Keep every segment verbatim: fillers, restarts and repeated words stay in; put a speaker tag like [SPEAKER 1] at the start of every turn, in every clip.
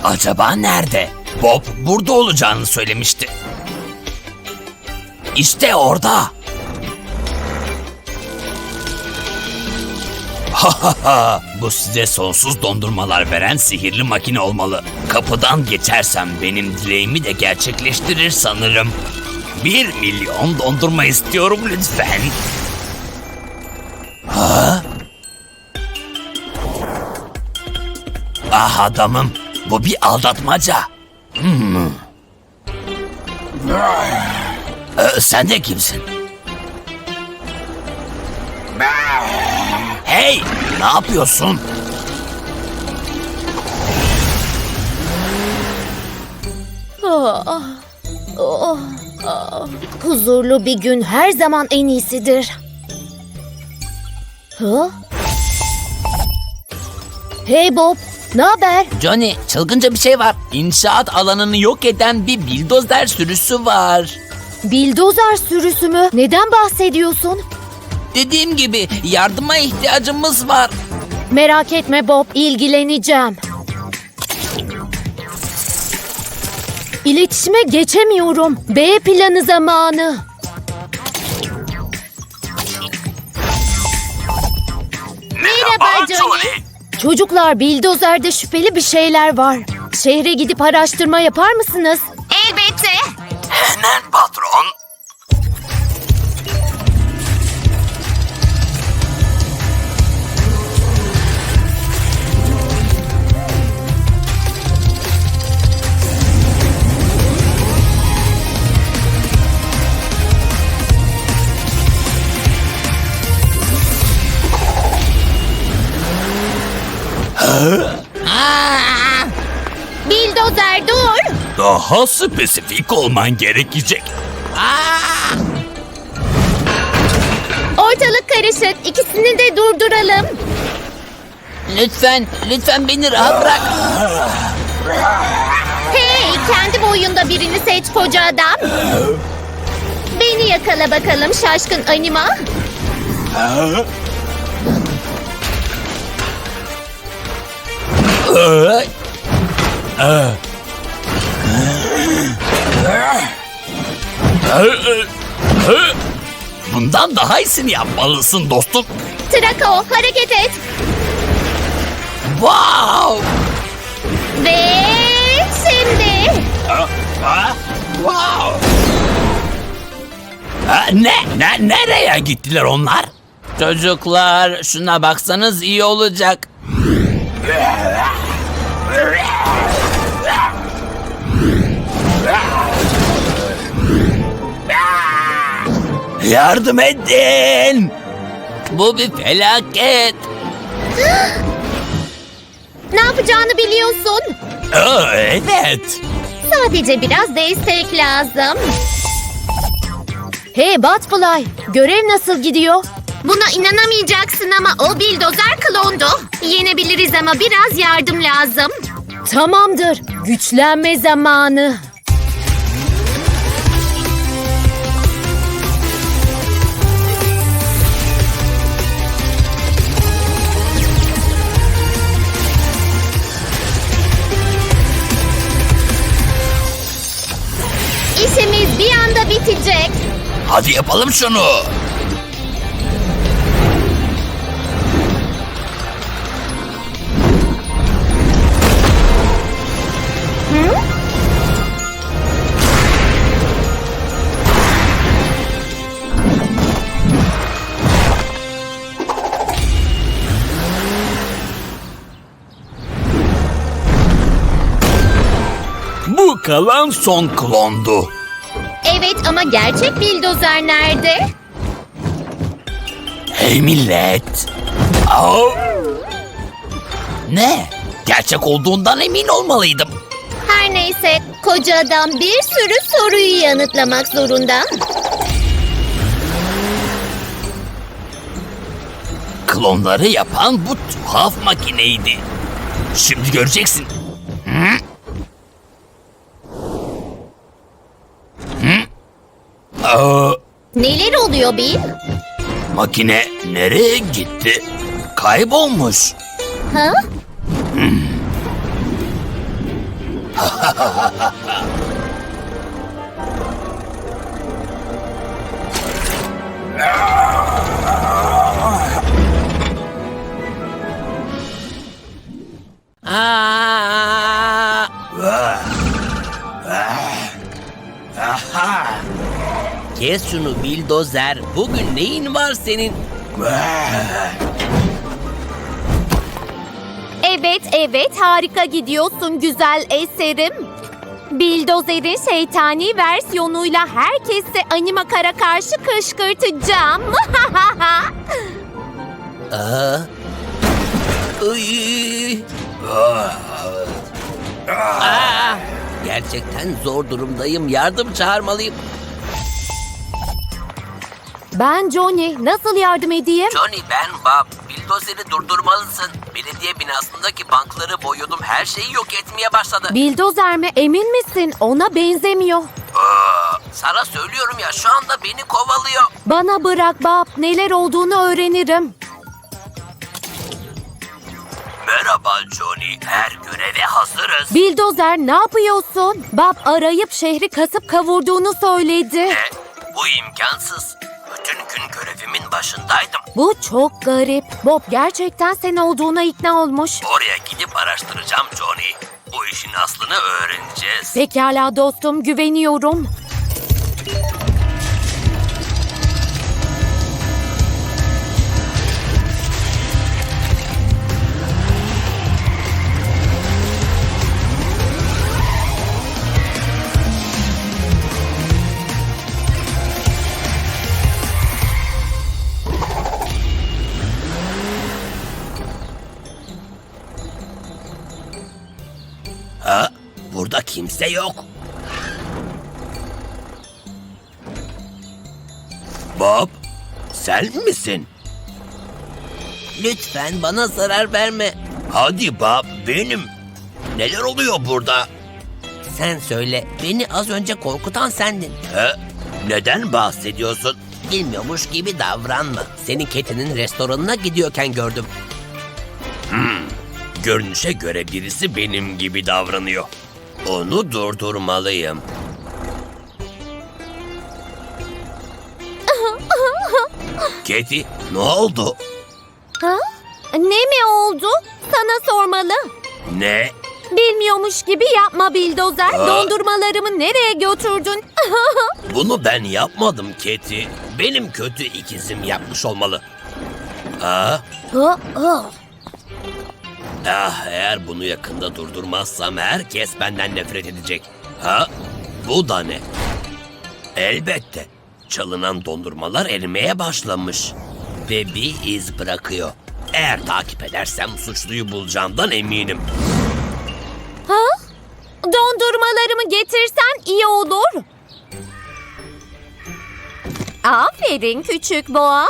[SPEAKER 1] Acaba nerede? Bob burada olacağını söylemişti. İşte orada. Ha ha ha! Bu size sonsuz dondurmalar veren sihirli makine olmalı. Kapıdan geçersem benim dileğimi de gerçekleştirir sanırım. Bir milyon dondurma istiyorum lütfen. Ha? Ah adamım, bu bir aldatmaca. Hmm. Ee, sen de kimsin? Hey, ne yapıyorsun?
[SPEAKER 2] Oh, oh, oh. Huzurlu bir gün her zaman en iyisidir. Ha? Hey Bob, ne haber?
[SPEAKER 1] Johnny, çılgınca bir şey var. İnşaat alanını yok eden bir bildozer sürüsü var.
[SPEAKER 2] Bildozer sürüsü mü? Neden bahsediyorsun?
[SPEAKER 1] Dediğim gibi yardıma ihtiyacımız var.
[SPEAKER 2] Merak etme Bob, ilgileneceğim. İletişime geçemiyorum. B planı zamanı. Merhaba Johnny. Çocuklar, bildozerde şüpheli bir şeyler var. Şehre gidip araştırma yapar mısınız?
[SPEAKER 3] Elbette.
[SPEAKER 1] Hemen patron.
[SPEAKER 2] Bildozer dur.
[SPEAKER 1] Daha spesifik olman gerekecek.
[SPEAKER 2] Ortalık karışık. İkisini de durduralım.
[SPEAKER 1] Lütfen, lütfen beni rahat bırak.
[SPEAKER 2] Hey, kendi boyunda birini seç koca adam. Beni yakala bakalım şaşkın anima.
[SPEAKER 1] Bundan daha iyisini yapmalısın dostum.
[SPEAKER 2] Trako, hareket et.
[SPEAKER 1] Wow!
[SPEAKER 2] Ve şimdi.
[SPEAKER 1] Wow! Ha, ne? Ne? Nereye gittiler onlar? Çocuklar, şuna baksanız iyi olacak. Yardım edin! Bu bir felaket.
[SPEAKER 2] Ne yapacağını biliyorsun.
[SPEAKER 1] Aa, evet.
[SPEAKER 2] Sadece biraz destek lazım. Hey Batfly, görev nasıl gidiyor?
[SPEAKER 3] Buna inanamayacaksın ama o bildozer klondu. Yenebiliriz ama biraz yardım lazım.
[SPEAKER 2] Tamamdır, güçlenme zamanı. İşimiz bir anda bitecek.
[SPEAKER 1] Hadi yapalım şunu. Bu kalan son klondu.
[SPEAKER 2] Evet ama gerçek bildozer nerede?
[SPEAKER 1] Hey millet. Au. Ne? Gerçek olduğundan emin olmalıydım.
[SPEAKER 2] Her neyse, koca adam bir sürü soruyu yanıtlamak zorunda.
[SPEAKER 1] Klonları yapan bu tuhaf makineydi. Şimdi göreceksin. Hı? Hı? Aa,
[SPEAKER 2] Neler oluyor Bill?
[SPEAKER 1] makine nereye gitti? Kaybolmuş.
[SPEAKER 2] Ha?
[SPEAKER 1] Aa! Kes şunu bildozer. Bugün neyin var senin?
[SPEAKER 2] Evet, evet, harika gidiyorsun güzel eserim. Bildozer'in şeytani versiyonuyla herkesi Animakar'a karşı kışkırtacağım.
[SPEAKER 1] Aa. Uy. Aa. Gerçekten zor durumdayım. Yardım çağırmalıyım.
[SPEAKER 2] Ben Johnny, nasıl yardım edeyim?
[SPEAKER 1] Johnny, ben Bob. Bildozeri durdurmalısın. Belediye binasındaki bankları boyuyordum. Her şeyi yok etmeye başladı.
[SPEAKER 2] Bildozer mi, emin misin? Ona benzemiyor.
[SPEAKER 1] Aa, sana söylüyorum ya, şu anda beni kovalıyor.
[SPEAKER 2] Bana bırak Bob, neler olduğunu öğrenirim.
[SPEAKER 1] Merhaba Johnny. Her göreve hazırız.
[SPEAKER 2] Bildozer, ne yapıyorsun? Bob arayıp şehri kasıp kavurduğunu söyledi.
[SPEAKER 1] E, bu imkansız. Bütün gün görevimin başındaydım.
[SPEAKER 2] Bu çok garip. Bob gerçekten sen olduğuna ikna olmuş.
[SPEAKER 1] Oraya gidip araştıracağım Johnny. Bu işin aslını öğreneceğiz.
[SPEAKER 2] Pekala dostum, güveniyorum.
[SPEAKER 1] Ha? Burada kimse yok. Bob, sen misin? Lütfen bana zarar verme. Hadi Bob, benim. Neler oluyor burada? Sen söyle, beni az önce korkutan sendin. He? Neden bahsediyorsun? Bilmiyormuş gibi davranma. Seni Cathy'nin restoranına gidiyorken gördüm. Hmm. Görünüşe göre birisi benim gibi davranıyor. Onu durdurmalıyım. Cathy, ne oldu?
[SPEAKER 2] Ha? Ne mi oldu? Sana sormalı.
[SPEAKER 1] Ne?
[SPEAKER 2] Bilmiyormuş gibi yapma Bildozer.
[SPEAKER 1] Aa.
[SPEAKER 2] Dondurmalarımı nereye götürdün?
[SPEAKER 1] Bunu ben yapmadım Cathy. Benim kötü ikizim yapmış olmalı. Ha?
[SPEAKER 2] Ha, ha.
[SPEAKER 1] Ah, eğer bunu yakında durdurmazsam herkes benden nefret edecek. Ha? Bu da ne? Elbette. Çalınan dondurmalar erimeye başlamış. Ve bir iz bırakıyor. Eğer takip edersem suçluyu bulacağımdan eminim.
[SPEAKER 2] Ha? Dondurmalarımı getirsen iyi olur. Aferin küçük boğa.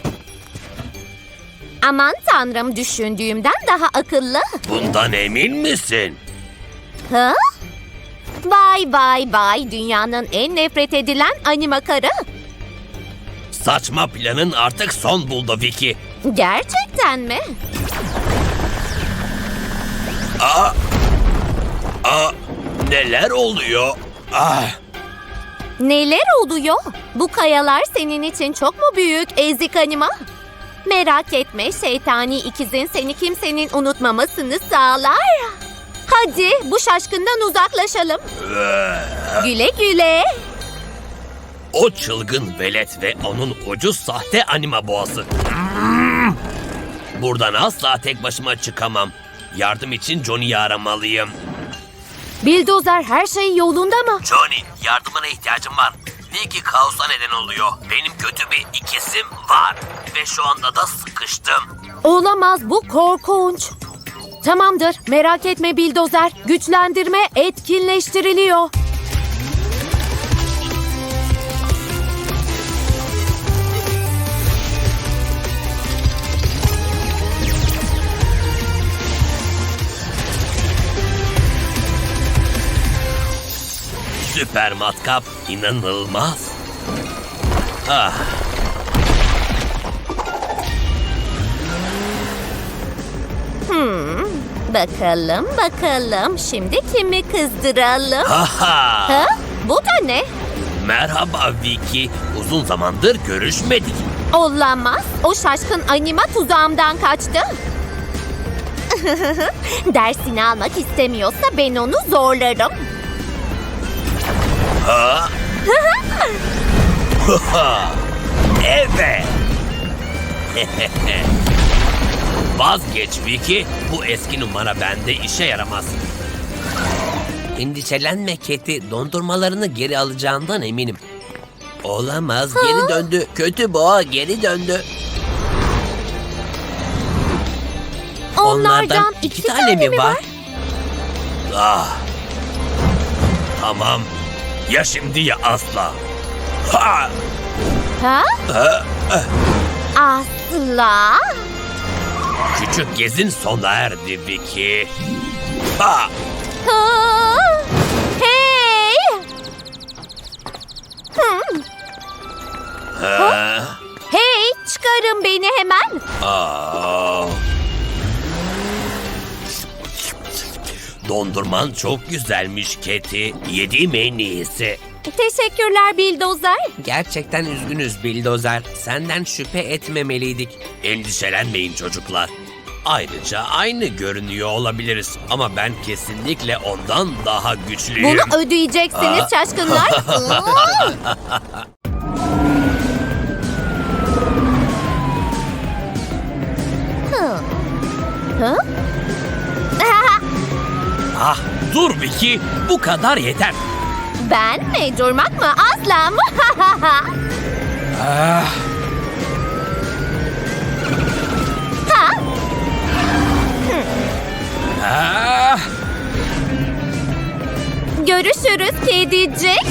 [SPEAKER 2] Aman tanrım, düşündüğümden daha akıllı.
[SPEAKER 1] Bundan emin misin?
[SPEAKER 2] Ha? Vay vay vay, dünyanın en nefret edilen Animakarı.
[SPEAKER 1] Saçma planın artık son buldu Vicky.
[SPEAKER 2] Gerçekten mi?
[SPEAKER 1] Aa, aa, neler oluyor? Ah,
[SPEAKER 2] Neler oluyor? Bu kayalar senin için çok mu büyük ezik anima? Merak etme, şeytani ikizin seni kimsenin unutmamasını sağlar. Hadi bu şaşkından uzaklaşalım. Güle güle.
[SPEAKER 1] o çılgın velet ve onun ucuz sahte anima boğası. Buradan asla tek başıma çıkamam. Yardım için Johnny'yi aramalıyım.
[SPEAKER 2] Bildozer, her şey yolunda mı?
[SPEAKER 1] Johnny, yardımına ihtiyacım var. Vicky kaosa neden oluyor. Benim kötü bir ikizim var. Ve şu anda da sıkıştım.
[SPEAKER 2] Olamaz, bu korkunç. Tamamdır, merak etme Bildozer. Güçlendirme etkinleştiriliyor.
[SPEAKER 1] Süper matkap, inanılmaz. Ah.
[SPEAKER 2] Bakalım bakalım şimdi kimi kızdıralım?
[SPEAKER 1] Haha.
[SPEAKER 2] Ha? Bu da ne?
[SPEAKER 1] Merhaba Vicky. Uzun zamandır görüşmedik.
[SPEAKER 2] Olamaz. O şaşkın anima tuzağımdan kaçtı. Dersini almak istemiyorsa ben onu zorlarım.
[SPEAKER 1] Ha? Evet. Vazgeç Vicky. Bu eski numara bende işe yaramaz. Endişelenme Keti. Dondurmalarını geri alacağından eminim. Olamaz. Geri döndü. Kötü boğa geri döndü.
[SPEAKER 2] Onlardan, iki, tane, mi var?
[SPEAKER 1] Ah. Tamam. Ya şimdi ya asla. Ha!
[SPEAKER 2] Ha?
[SPEAKER 1] Ha!
[SPEAKER 2] Asla.
[SPEAKER 1] Küçük gezin sona erdi Vicky. Ha!
[SPEAKER 2] Ha! Hey! Hmm.
[SPEAKER 1] Ha!
[SPEAKER 2] Hey, çıkarın beni hemen.
[SPEAKER 1] Aa! Dondurman çok güzelmiş Keti. Yediğim en iyisi.
[SPEAKER 2] Teşekkürler Bildozer.
[SPEAKER 1] Gerçekten üzgünüz Bildozer. Senden şüphe etmemeliydik. Endişelenmeyin çocuklar. Ayrıca aynı görünüyor olabiliriz. Ama ben kesinlikle ondan daha güçlüyüm.
[SPEAKER 2] Bunu ödeyeceksiniz
[SPEAKER 1] Aa.
[SPEAKER 2] şaşkınlar. Hı. Hı?
[SPEAKER 1] Ah, dur Vicky. Bu kadar yeter.
[SPEAKER 2] Ben mi? Durmak mı? Asla mı?
[SPEAKER 1] Ah,
[SPEAKER 2] Ha?
[SPEAKER 1] ah.
[SPEAKER 2] Görüşürüz kedicik.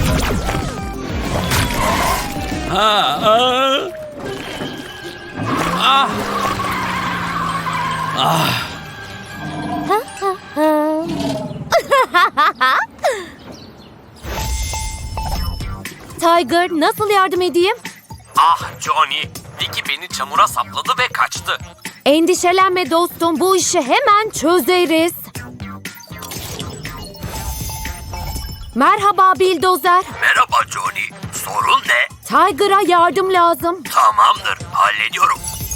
[SPEAKER 1] Ah, ah. Ah. Ah.
[SPEAKER 2] Tiger, nasıl yardım edeyim?
[SPEAKER 1] Ah Johnny. Vicky beni çamura sapladı ve kaçtı.
[SPEAKER 2] Endişelenme dostum, bu işi hemen çözeriz. Merhaba Bildozer.
[SPEAKER 1] Merhaba Johnny. Sorun ne?
[SPEAKER 2] Tiger'a yardım lazım.
[SPEAKER 1] Tamamdır. Hallediyorum.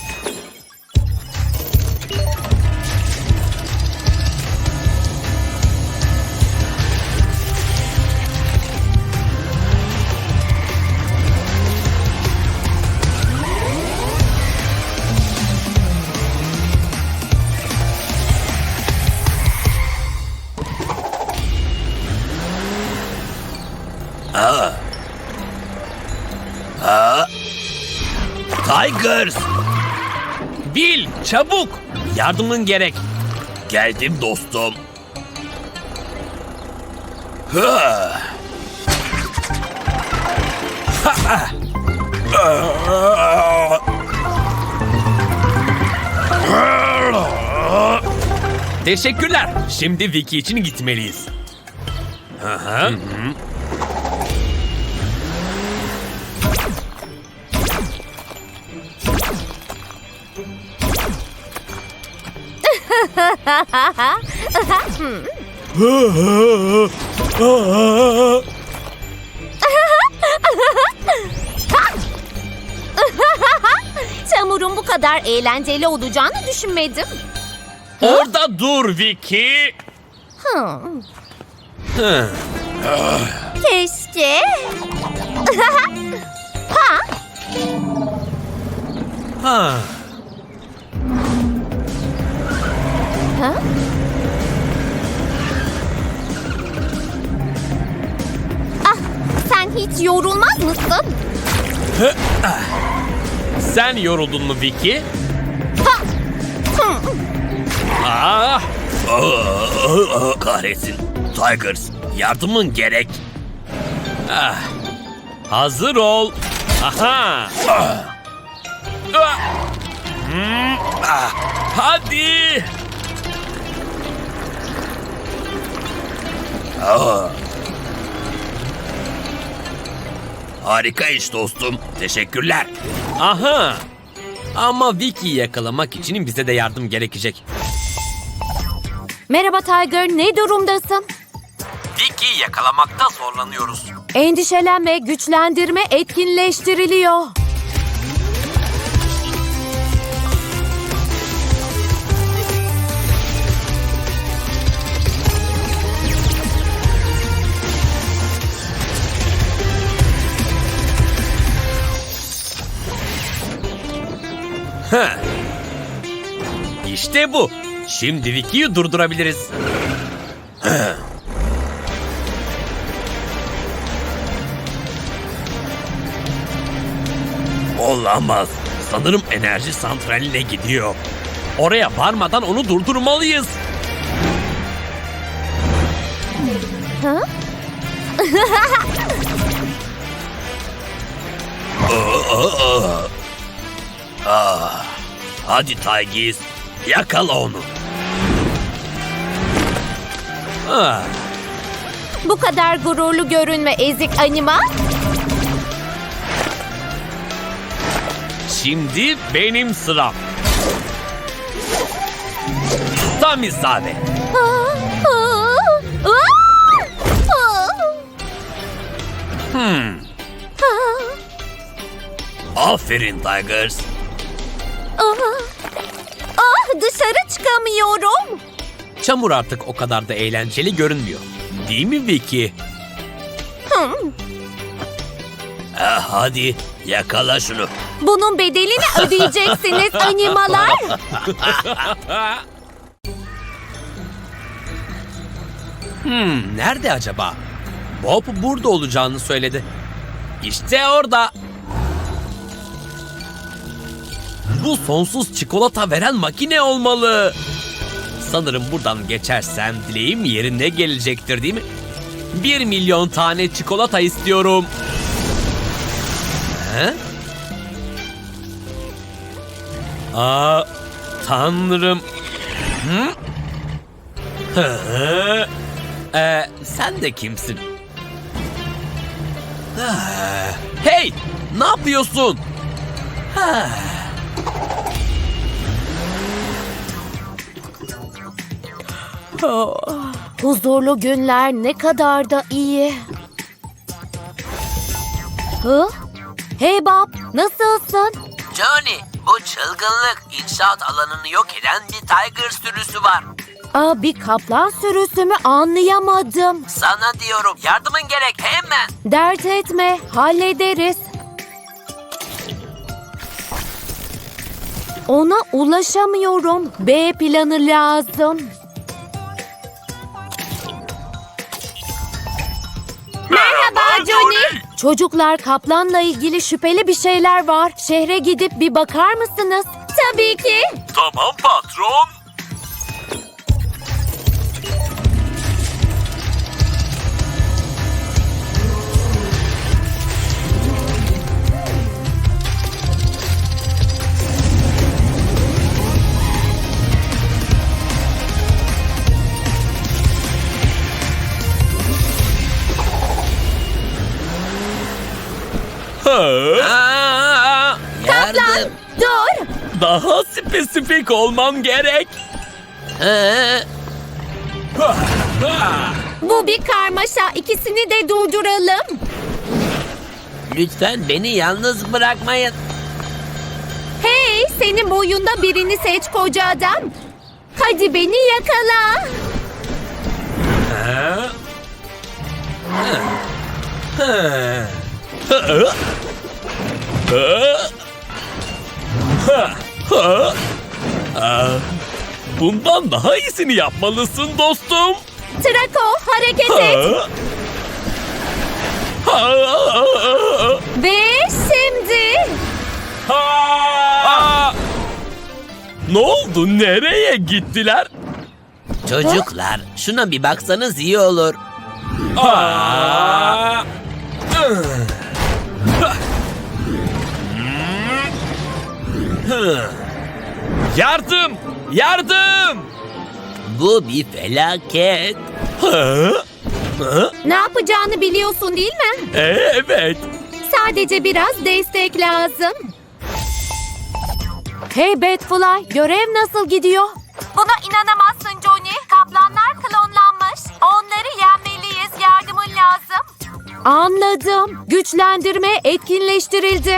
[SPEAKER 1] Aa. Aa. Tigers! Bill, çabuk! Yardımın gerek. Geldim dostum. Ha. Ha. Teşekkürler. Şimdi Vicky için gitmeliyiz. Hı hı.
[SPEAKER 2] Çamurun bu kadar eğlenceli olacağını düşünmedim.
[SPEAKER 1] Orada dur Vicky.
[SPEAKER 2] Hmm.
[SPEAKER 1] Hı.
[SPEAKER 2] Keşke. Ha?
[SPEAKER 1] Ha.
[SPEAKER 2] Ha? Ah, sen hiç yorulmaz mısın?
[SPEAKER 1] Sen yoruldun mu Vicky?
[SPEAKER 2] Ha! Hmm.
[SPEAKER 1] Ah! Kahretsin. Tigers, yardımın gerek. Ah. Hazır ol. Aha. Ah. Ah. Hmm. Ah. Hadi. Ah. Harika iş dostum. Teşekkürler. Aha. Ama Vicky'yi yakalamak için bize de yardım gerekecek.
[SPEAKER 2] Merhaba Tiger, ne durumdasın?
[SPEAKER 4] Vicky'yi yakalamakta zorlanıyoruz.
[SPEAKER 2] Endişelenme, güçlendirme etkinleştiriliyor.
[SPEAKER 4] İşte bu. Şimdi Vicky'yi durdurabiliriz. Olamaz. Sanırım enerji santraline gidiyor. Oraya varmadan onu durdurmalıyız. Hadi Tigers, yakala onu. Ah,
[SPEAKER 2] Bu kadar gururlu görünme ezik anima.
[SPEAKER 4] şimdi benim sıram. Tam isabet. Hmm. Aferin Tigers.
[SPEAKER 2] Ah, dışarı çıkamıyorum.
[SPEAKER 4] Çamur artık o kadar da eğlenceli görünmüyor. Değil mi Vicky? Ah, hadi yakala şunu.
[SPEAKER 2] Bunun bedelini ödeyeceksiniz animalar.
[SPEAKER 4] Hmm, nerede acaba? Bob burada olacağını söyledi. İşte orada. Bu sonsuz çikolata veren makine olmalı. Sanırım buradan geçersem dileğim yerine gelecektir, değil mi? Bir milyon tane çikolata istiyorum. He? Aa, tanrım. Hı? Hı? Ee, sen de kimsin? Ah, hey! Ne yapıyorsun? Ah.
[SPEAKER 2] Huzurlu günler ne kadar da iyi. Hı? Hey Bob, nasılsın?
[SPEAKER 5] Johnny, bu çılgınlık inşaat alanını yok eden bir tiger sürüsü var.
[SPEAKER 2] Aa, bir kaplan sürüsü mü anlayamadım.
[SPEAKER 5] Sana diyorum, yardımın gerek hemen.
[SPEAKER 2] Dert etme, hallederiz. Ona ulaşamıyorum. B planı lazım.
[SPEAKER 3] Merhaba Johnny.
[SPEAKER 2] Çocuklar, kaplanla ilgili şüpheli bir şeyler var. Şehre gidip bir bakar mısınız?
[SPEAKER 3] Tabii ki.
[SPEAKER 4] Tamam patron.
[SPEAKER 5] Aa, yardım.
[SPEAKER 2] Dur!
[SPEAKER 4] Daha spesifik olmam gerek.
[SPEAKER 5] Ee,
[SPEAKER 2] Bu bir karmaşa. İkisini de durduralım.
[SPEAKER 5] lütfen beni yalnız bırakmayın.
[SPEAKER 2] Hey, senin boyunda birini seç koca adam. Hadi beni yakala.
[SPEAKER 4] Bundan daha iyisini yapmalısın dostum.
[SPEAKER 2] Trako, hareket et. Ve şimdi...
[SPEAKER 4] Ne oldu? Nereye gittiler?
[SPEAKER 5] Çocuklar, şuna bir baksanız iyi olur.
[SPEAKER 4] Yardım! Yardım!
[SPEAKER 5] Bu bir felaket.
[SPEAKER 2] Ne yapacağını biliyorsun değil mi?
[SPEAKER 4] Evet.
[SPEAKER 2] Sadece biraz destek lazım. Hey Batfly, görev nasıl gidiyor? Buna inanamazsın Johnny. Kaplan Anladım. Güçlendirme etkinleştirildi.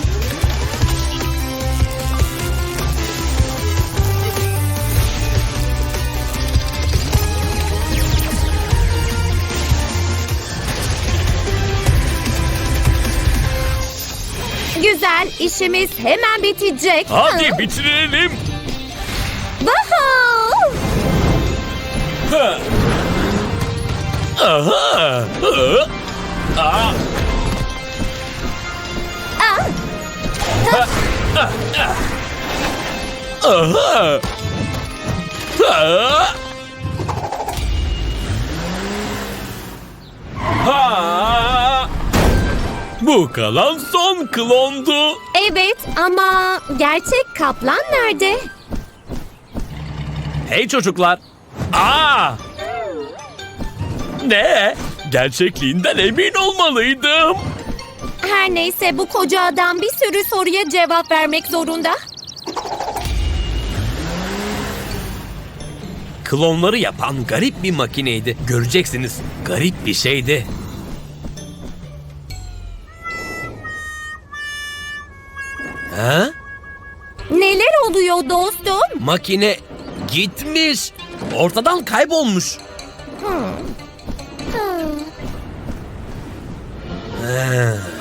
[SPEAKER 2] Güzel, işimiz hemen bitecek.
[SPEAKER 4] Hadi bitirelim.
[SPEAKER 2] Woohoo!
[SPEAKER 4] Aha. Hı. Aa. Aha. Ha. Ha. Bu kalan son klondu.
[SPEAKER 2] Evet ama gerçek kaplan nerede?
[SPEAKER 4] Hey çocuklar. Aa! Ne? Gerçekliğinden emin olmalıydım.
[SPEAKER 2] Her neyse bu koca adam bir sürü soruya cevap vermek zorunda.
[SPEAKER 4] Klonları yapan garip bir makineydi. Göreceksiniz. Garip bir şeydi. Ha?
[SPEAKER 2] Neler oluyor dostum?
[SPEAKER 4] Makine gitmiş. Ortadan kaybolmuş. Ha.